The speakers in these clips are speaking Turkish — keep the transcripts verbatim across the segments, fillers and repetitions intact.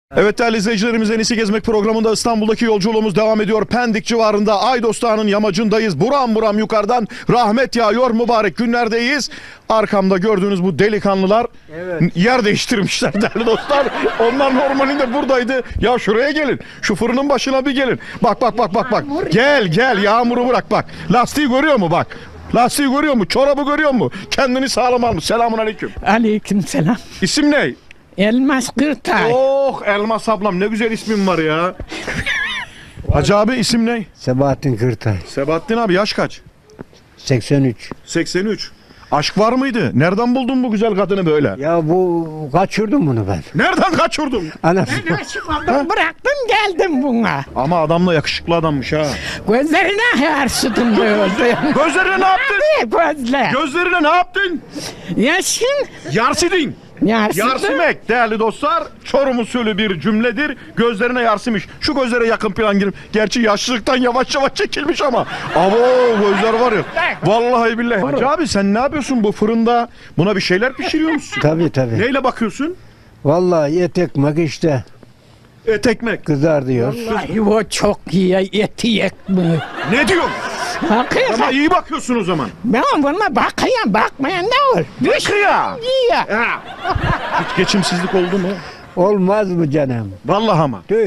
Evet değerli izleyicilerimiz, En İyisi Gezmek programında İstanbul'daki yolculuğumuz devam ediyor. Pendik civarında Aydos Dağı'nın yamacındayız. Buram buram yukarıdan rahmet yağıyor, mübarek günlerdeyiz. Arkamda gördüğünüz bu delikanlılar Evet. yer değiştirmişler değerli dostlar. Onlar normalinde buradaydı. Ya şuraya gelin. Şu fırının başına bir gelin. Bak bak bak bak bak. Gel gel, yağmuru bırak bak. Lastiği görüyor mu bak. Lastiği görüyor mu? Çorabı görüyor mu? Kendini sağlam almış. Selamun aleyküm. Aleyküm selam. İsim ne? Elmas Kırtay. Oh Elmas ablam, ne güzel ismin var ya. Hacı abi, isim ne? Sebahattin Kırtay. Sebahattin abi, yaş kaç? seksen üç. seksen üç. Aşk var mıydı? Nereden buldun bu güzel kadını böyle? Ya bu kaçırdım bunu ben. Nereden kaçırdın? Anasını. Ben aşık oldum, bıraktım geldim buna. Ama adam da yakışıklı adammış ha. Gözlerine yarsıdım böyle. Gözlerine ne yaptın? Gözler. Gözlerine ne yaptın? Yaşın. Yarsidin. Yarsıdım. Yarsimek değerli dostlar, Çorum usulü bir cümledir. Gözlerine yarsımış. Şu gözlere yakın plan girip. Gerçi yaşlılıktan yavaş yavaş çekilmiş ama. Abo, gözler var ya. Vallahi billahi. Hacı abi, sen ne yapıyorsun bu fırında? Buna bir şeyler pişiriyor musun? Tabii tabii. Neyle bakıyorsun? Vallahi et ekmek işte Et ekmek. kızar diyor. Vallahi o çok iyi eti ekmek. Ne diyorsun? Hakikaten. Ama iyi bakıyorsun o zaman. Ben buna bakayım, bakmayan ne olur? Bakıyor. İyi. Ha. Hiç geçimsizlik oldu mu? Olmaz mı canım? Vallahi ama. Tüh.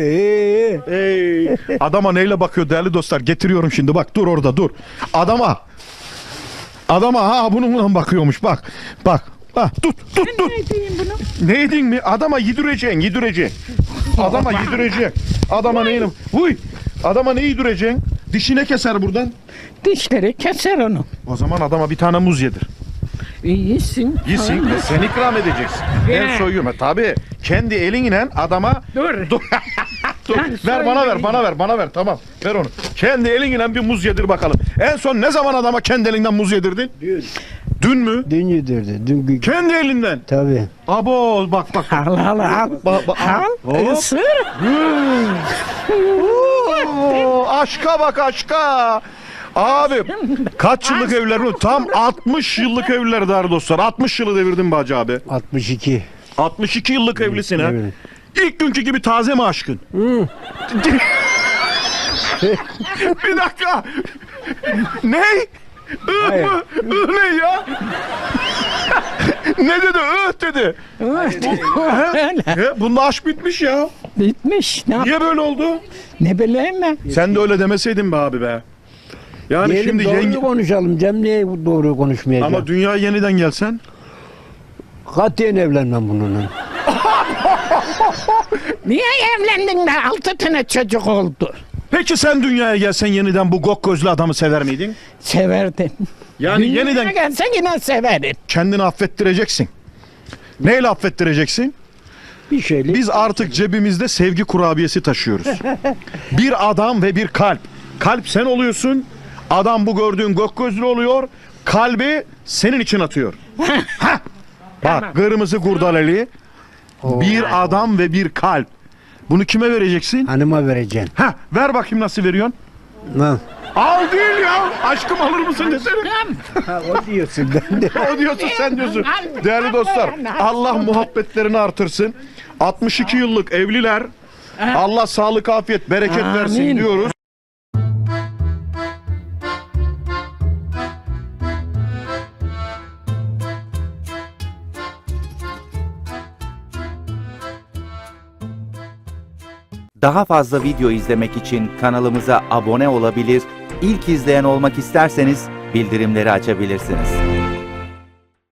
Ey, adama neyle bakıyor değerli dostlar? Getiriyorum şimdi, bak dur orada dur. Adama. Adama ha bununla bakıyormuş, bak. Bak. Ha, tut tut tut. Ne diyeyim bunu? Ne yedin mi? Adama yedireceksin, yedireceksin. Adama yedireceksin. Adama neyle? Huy. Adama ne yedireceksin? Dişine keser buradan. Dişleri keser onu. O zaman adama bir tane muz yedir. İyisin. Yesin ve sen ikram edeceksin. Ben He. soyuyorum. E, tabii kendi elinle adama Dur. dur. Dur. Ben Ver bana ver, soyayım. bana ver, bana ver. Tamam. Ver onu. Kendi elinle bir muz yedir bakalım. En son ne zaman adama kendi elinden muz yedirdin? Dün. Dün mü? Dün yedirdi. Dün gü- Kendi elinden. Tabii. Abo bak bak. Al al al. Bak, bak. Al. Hop. Isır. Oo, aşka bak aşka. Abi kaç yıllık evliler bu? Tam altmış yıllık evliler değerli dostlar. altmış yılı devirdin be Hacı abi. altmış iki. altmış iki yıllık evlisin ha. Evet. İlk günkü gibi taze mi aşkın? Bir dakika. Ne? Ih Hayır. mı? Ih ne ya? Ne dedi? Ih dedi. Öyle. He, bunda aşk bitmiş ya. Bitmiş. Ne, yap- Niye böyle oldu? ne bileyim ben. Sen de öyle demeseydin be abi be. Yani Diyelim şimdi doğruyu yenge... konuşalım. Cem niye doğruyu konuşmayacağım? Ama dünyaya yeniden gelsen. Katiyen evlenmem bununla. Niye evlendin de altı tane çocuk oldu? Peki sen dünyaya gelsen yeniden bu gok gözlü adamı sever miydin? Severdim. Yani Dünyaya yeniden gelse yine severim. kendini affettireceksin. Neyle affettireceksin? Bir şeylik. Biz artık cebimizde sevgi kurabiyesi taşıyoruz. Bir adam ve bir kalp. Kalp sen oluyorsun. Adam bu gördüğün gök gözlü oluyor. Kalbi senin için atıyor. Hah! Bak kırmızı kurdaleli. Bir adam ve bir kalp. Bunu kime vereceksin? Hanıma vereceksin. Ha, ver bakayım nasıl veriyorsun? Lan. Al değil ya. Aşkım alır mısın desene. Ha, o diyorsun ben de. O diyorsun, sen diyorsun. Değerli dostlar, Allah muhabbetlerini artırsın. altmış iki yıllık evliler. Allah sağlık, afiyet, bereket versin Amin. diyoruz. Daha fazla video izlemek için kanalımıza abone olabilir, ilk izleyen olmak isterseniz bildirimleri açabilirsiniz.